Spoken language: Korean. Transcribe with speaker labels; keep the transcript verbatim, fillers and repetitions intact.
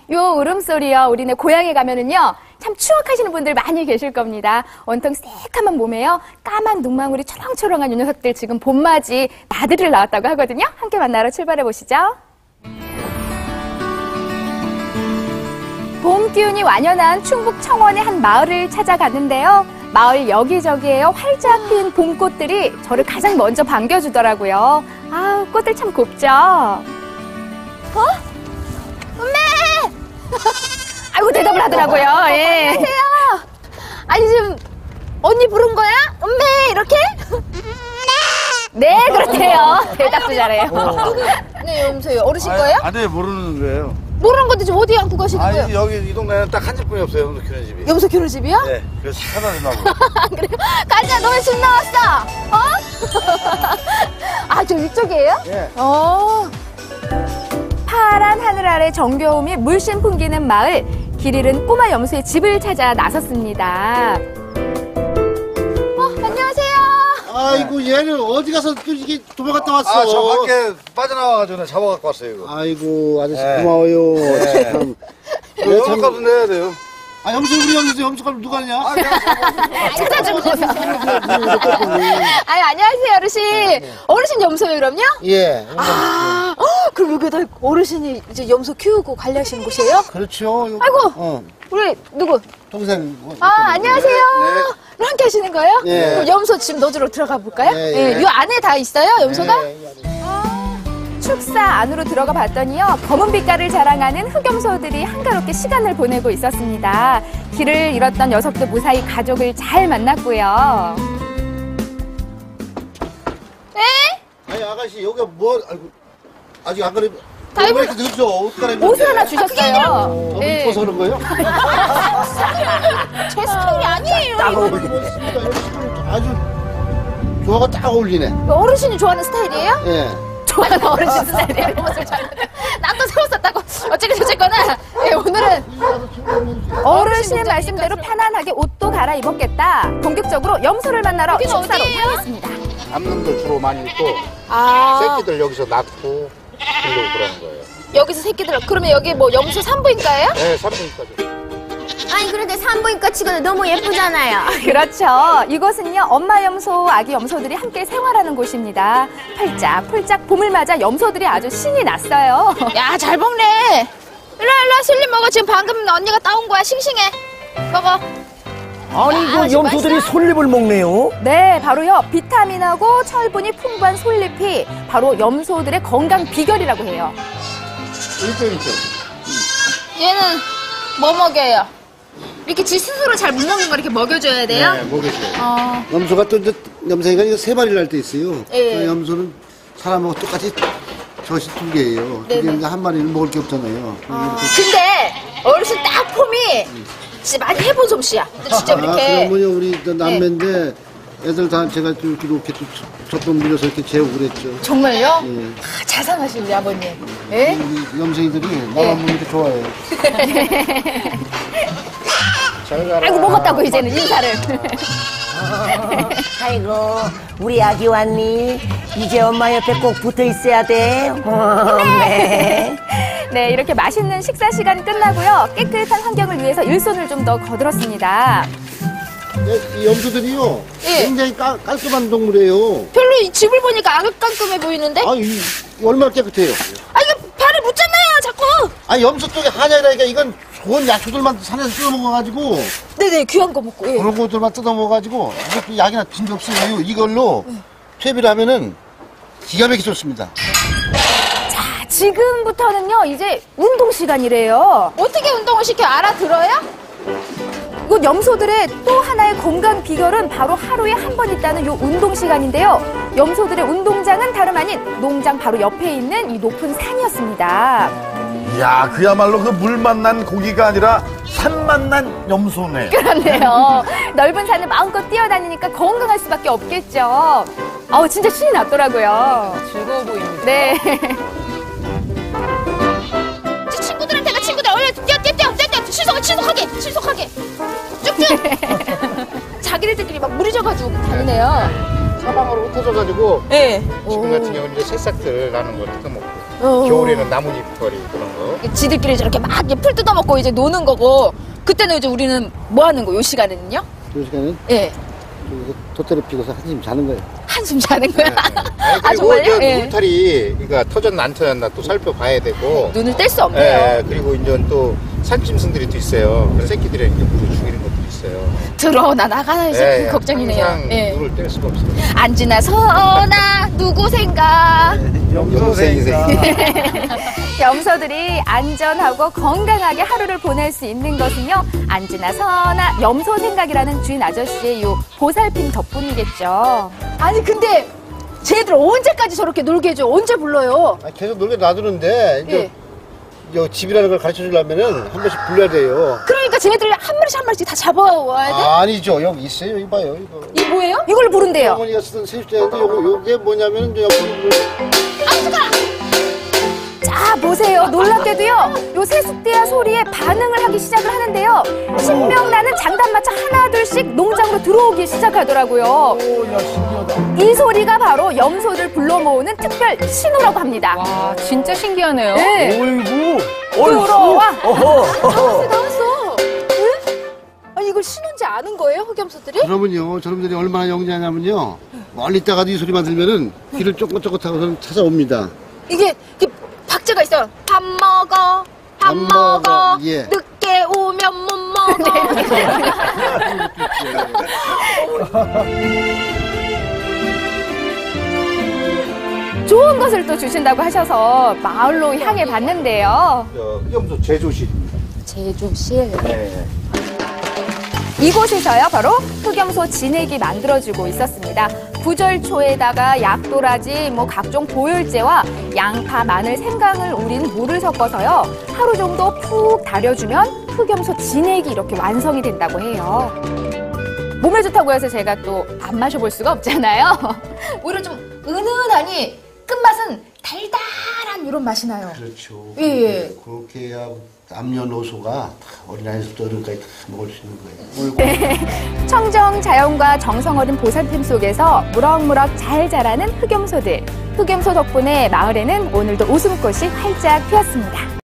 Speaker 1: 요 울음소리요. 우리네 고향에 가면은요. 참 추억하시는 분들 많이 계실 겁니다. 온통 새까만 몸에요. 까만 눈망울이 초롱초롱한 요 녀석들 지금 봄맞이 나들이를 나왔다고 하거든요. 함께 만나러 출발해 보시죠. 봄 기운이 완연한 충북 청원의 한 마을을 찾아갔는데요. 마을 여기저기에요. 활짝 핀 봄꽃들이 저를 가장 먼저 반겨주더라고요. 아, 꽃들 참 곱죠? 어? 엄매! 아이고, 대답을 하더라고요. 예. 안녕하세요. 아니, 지금 언니 부른 거야? 엄매! 이렇게? 네, 그렇대요. 대답도 잘해요.
Speaker 2: 어.
Speaker 1: 네, 여보세요. 어르신 거예요?
Speaker 2: 아니, 모르는 거예요.
Speaker 1: 모르는 건데 지금 어디 안고 가시는
Speaker 2: 아니,
Speaker 1: 거예요?
Speaker 2: 여기 이 동네는 딱 한 집뿐이 없어요, 염소 키우는 집이.
Speaker 1: 염소 키우는 집이요?
Speaker 2: 네, 그래서 찾아내려고.
Speaker 1: 그래요? 가자, 너왜 집 나왔어? 어? 아, 저 이쪽이에요?
Speaker 2: 네.
Speaker 1: 어. 파란 하늘 아래 정겨움이 물씬 풍기는 마을. 길 잃은 꼬마 염소의 집을 찾아 나섰습니다. 어, 안녕하세요.
Speaker 3: 아이고 얘는 어디 가서 또 이게 도망갔다 왔어.
Speaker 2: 아, 저 밖에 빠져나와가지고 내가 잡아갖고 왔어요, 이거.
Speaker 3: 아이고 아저씨
Speaker 2: 네.
Speaker 3: 고마워요.
Speaker 2: 네.
Speaker 3: 참.
Speaker 2: 이거 염소값은 내야 돼요.
Speaker 3: 아 염소 우리 염소 염소값 누가 하냐?
Speaker 2: 아, 그냥
Speaker 1: 찾아주고 아유, 안녕하세요, 어르신. 어르신 염소예요, 그럼요?
Speaker 3: 예.
Speaker 1: 아, 어, 그럼 여기다 어르신이 이제 염소 키우고 관리하시는 곳이에요?
Speaker 3: 그렇죠.
Speaker 1: 아이고.
Speaker 3: 어
Speaker 1: 우리 누구?
Speaker 3: 동생. 뭐,
Speaker 1: 아, 안녕하세요.
Speaker 2: 네.
Speaker 1: 함께 하시는 거예요?
Speaker 3: 네.
Speaker 1: 그럼 염소 집 노지로 들어가 볼까요?
Speaker 3: 네,
Speaker 1: 예,
Speaker 3: 네.
Speaker 1: 이 안에 다 있어요, 염소가?
Speaker 3: 예, 예.
Speaker 1: 축사 안으로 들어가 봤더니요, 검은 빛깔을 자랑하는 흑염소들이 한가롭게 시간을 보내고 있었습니다. 길을 잃었던 녀석도 무사히 가족을 잘 만났고요. 네?
Speaker 3: 아니 아가씨 여기가 뭐 아이고 아직 안 그래.
Speaker 1: 다
Speaker 3: 왜
Speaker 1: 입은-
Speaker 3: 이렇게 늦죠? 옷 갈아입는
Speaker 1: 옷을 하나 주셨어요.
Speaker 3: 너무
Speaker 1: 네.
Speaker 3: 이뻐서 그런 거예요?
Speaker 1: 제 스타일이 아니에요.
Speaker 3: 딱 어울리네. 아주 조화가 딱 어울리네.
Speaker 1: 어르신이 좋아하는 스타일이에요?
Speaker 3: 예.
Speaker 1: 좋아하는 어르신 스타일이에요. 옷을 잘. 나또 새우 샀다고. 어쨌든 저쨌거나. 네, 오늘은 어르신의 말씀대로 편안하게 옷도 갈아입었겠다. 본격적으로 염소를 만나러 축사로 향했습니다.
Speaker 3: 남놈들 주로 많이 있고
Speaker 1: 아,
Speaker 3: 새끼들 여기서 낳고 길러고 그러는 거예요.
Speaker 1: 여기서 새끼들. 그러면 여기 뭐 염소 산부인가예요?
Speaker 3: 네, 삼분까지.
Speaker 4: 아니 그런데 산부인과 치고는 너무 예쁘잖아요.
Speaker 1: 그렇죠. 이곳은요, 엄마 염소, 아기 염소들이 함께 생활하는 곳입니다. 펄짝펄짝 봄을 맞아 염소들이 아주 신이 났어요. 야, 잘 먹네. 일로 일로 슬림 먹어. 지금 방금 언니가 따온 거야. 싱싱해. 먹어.
Speaker 5: 아니 이거 염소들이 솔잎을 먹네요.
Speaker 1: 네, 바로요, 비타민하고 철분이 풍부한 솔잎이 바로 염소들의 건강 비결이라고 해요.
Speaker 3: 일점 일점.
Speaker 1: 얘는 뭐 먹여요? 이렇게 지 스스로 잘 못 먹는 거 이렇게 먹여줘야 돼요?
Speaker 3: 네, 먹여줘요.
Speaker 1: 어.
Speaker 3: 염소가 또 이제 염소가 이거 세 마리를 할 때 있어요.
Speaker 1: 예.
Speaker 3: 그 염소는 사람하고 똑같이 젖이 두 개예요. 두
Speaker 1: 네네.
Speaker 3: 개인데 한 마리는 먹을 게 없잖아요.
Speaker 1: 근데 어르신 딱 폼이 진짜 많이 해본 솜씨야. 근데 진짜
Speaker 3: 아,
Speaker 1: 이렇게.
Speaker 3: 그러면요 우리 저 남매인데 애들 다 제가 좀 이렇게 이렇게 젖돈 밀려서 이렇게 재우고 그랬죠.
Speaker 1: 정말요?
Speaker 3: 예.
Speaker 1: 아, 잘 사가신 우리 아버님. 예?
Speaker 3: 이 염소이들이 나만 보면 이렇게 좋아해요. 잘 가라.
Speaker 1: 아이고, 먹었다고 이제는 인사를.
Speaker 5: 아이고 우리 아기 왔니? 이제 엄마 옆에 꼭 붙어 있어야 돼. 어, 네.
Speaker 1: 네, 이렇게 맛있는 식사 시간 끝나고요. 깨끗한 환경을 위해서 일손을 좀 더 거들었습니다.
Speaker 3: 이 염소들이요
Speaker 1: 예.
Speaker 3: 굉장히 깔, 깔끔한 동물이에요.
Speaker 1: 별로 이 집을 보니까 아늑깔끔해 보이는데?
Speaker 3: 아, 이, 얼마나 깨끗해요.
Speaker 1: 아, 이거 발에 묻잖아요, 자꾸.
Speaker 3: 아, 염소 쪽에 한약이라니까 이건 좋은 야초들만 산에서 뜯어먹어가지고
Speaker 1: 네네, 귀한 거 먹고. 예.
Speaker 3: 그런 것들만 뜯어먹어가지고 이것도 약이나 진게 없어요. 이걸로 퇴비를 하면은 기가 막히게 좋습니다.
Speaker 1: 자, 지금부터는요, 이제 운동 시간이래요. 어떻게 운동을 시켜 알아들어요? 이곳 염소들의 또 하나의 건강 비결은 바로 하루에 한 번 있다는 요 운동 시간인데요. 염소들의 운동장은 다름 아닌 농장 바로 옆에 있는 이 높은 산이었습니다.
Speaker 2: 이야, 그야말로 그 물 만난 고기가 아니라 산 만난 염소네.
Speaker 1: 그렇네요. 넓은 산을 마음껏 뛰어다니니까 건강할 수밖에 없겠죠. 아우, 진짜 신이 났더라고요. 즐거워 보입니다. 네. 친구들한테 가, 친구들. 얼른 뛰어, 뛰어, 뛰어, 뛰어, 뛰어. 신속, 신속하게, 신속하게. 쭉쭉. 자기들끼리 막 무리져가지고 다니네요.
Speaker 3: 사방으로 흩어져가지고
Speaker 1: 네.
Speaker 3: 지금 같은 경우는 이제 새싹들 나는 거 뜯어먹고
Speaker 1: 어.
Speaker 6: 겨울에는 나뭇잎거리 그런 거.
Speaker 1: 지들끼리 저렇게 막 이렇게 풀 뜯어먹고 이제 노는 거고 그때는 이제 우리는 뭐 하는 거요? 이 시간에는요?
Speaker 3: 이 시간은
Speaker 1: 예.
Speaker 3: 돛대를 피고서 한숨 자는 거예요.
Speaker 1: 한숨 자는 거야.
Speaker 6: 아니,
Speaker 1: 아,
Speaker 6: 그리고
Speaker 1: 정말요?
Speaker 6: 저
Speaker 1: 예.
Speaker 6: 울타리 그러니까 터졌나 안 터졌나 또 살펴봐야 되고.
Speaker 1: 눈을 뗄 수 없네요.
Speaker 6: 예, 그리고 이제 또 산짐승들이 또 있어요. 그래서 새끼들이 이렇게 물을 죽이는 것도 있어요.
Speaker 1: 들어오나 나가나 이제
Speaker 6: 예,
Speaker 1: 그 걱정이네요.
Speaker 6: 항상
Speaker 1: 예.
Speaker 6: 눈을 뗄 수가 없어요.
Speaker 1: 안지나 서나 누구생가
Speaker 6: 염소생이세요.
Speaker 1: 염소들이 안전하고 건강하게 하루를 보낼 수 있는 것은요 안지나 서나 염소 생각이라는 주인 아저씨의 요 보살핌 덕분이겠죠. 아니 근데 쟤들 언제까지 저렇게 놀게 해줘? 언제 불러요?
Speaker 3: 아, 계속 놀게 놔두는데 이제
Speaker 1: 예.
Speaker 3: 이 집이라는 걸 가르쳐 주려면은 한 번씩 불러야 돼요.
Speaker 1: 그러니까 쟤네들 한 마리씩 한 마리씩 다 잡아와야 돼?
Speaker 3: 아, 아니죠. 여기 있어요. 이거 봐요. 이거.
Speaker 1: 이게 뭐예요? 이걸 부른대요.
Speaker 3: 어머니가 쓰던 세입자인데 요거 요게 뭐냐면은 이제 옆으로
Speaker 1: 자 보세요. 놀랍게도요 요 세숫대야 소리에 반응을 하기 시작을 하는데요 신명나는 장단마차 하나 둘씩 농장으로 들어오기 시작하더라고요.
Speaker 2: 오, 야, 신기하다.
Speaker 1: 이 소리가 바로 염소를 불러 모으는 특별 신호라고 합니다.
Speaker 7: 와, 진짜 신기하네요.
Speaker 1: 네.
Speaker 2: 어이구.
Speaker 1: 들어와.
Speaker 2: 어허.
Speaker 1: 나왔어 나왔어. 왜? 아니 이걸 신호인지 아는 거예요 흑염소들이?
Speaker 3: 그러면요. 저놈들이 얼마나 영리하냐면요. 멀리 있다가도 이 소리만 들면은 귀를 쫑긋쫑긋하고서는 찾아옵니다.
Speaker 1: 이게, 이게 박자가 있어요. 밥 먹어 밥
Speaker 3: 밥
Speaker 1: 먹어
Speaker 3: 먹어, 예.
Speaker 1: 늦게 오면 못 먹어. 좋은 것을 또 주신다고 하셔서 마을로 향해 봤는데요.
Speaker 6: 저 흑염소 제조실입니다.
Speaker 1: 제조실.
Speaker 6: 네.
Speaker 1: 이곳에서요 바로 흑염소 진액이 만들어지고 있었습니다. 구절초에다가 약도라지, 뭐 각종 보혈제와 양파, 마늘, 생강을 우린 물을 섞어서요 하루 정도 푹 달여주면 흑염소 진액이 이렇게 완성이 된다고 해요. 몸에 좋다고 해서 제가 또 안 마셔볼 수가 없잖아요. 오히려 좀 은은하니 끝맛은 달달한 이런 맛이 나요.
Speaker 3: 그렇죠.
Speaker 1: 예, 예.
Speaker 3: 그렇게 해야 남녀노소가 다 어린아이부터 어른까지 다 먹을 수 있는 거예요.
Speaker 1: 네. 청정 자연과 정성 어린 보살핌 속에서 무럭무럭 잘 자라는 흑염소들. 흑염소 덕분에 마을에는 오늘도 웃음꽃이 활짝 피었습니다.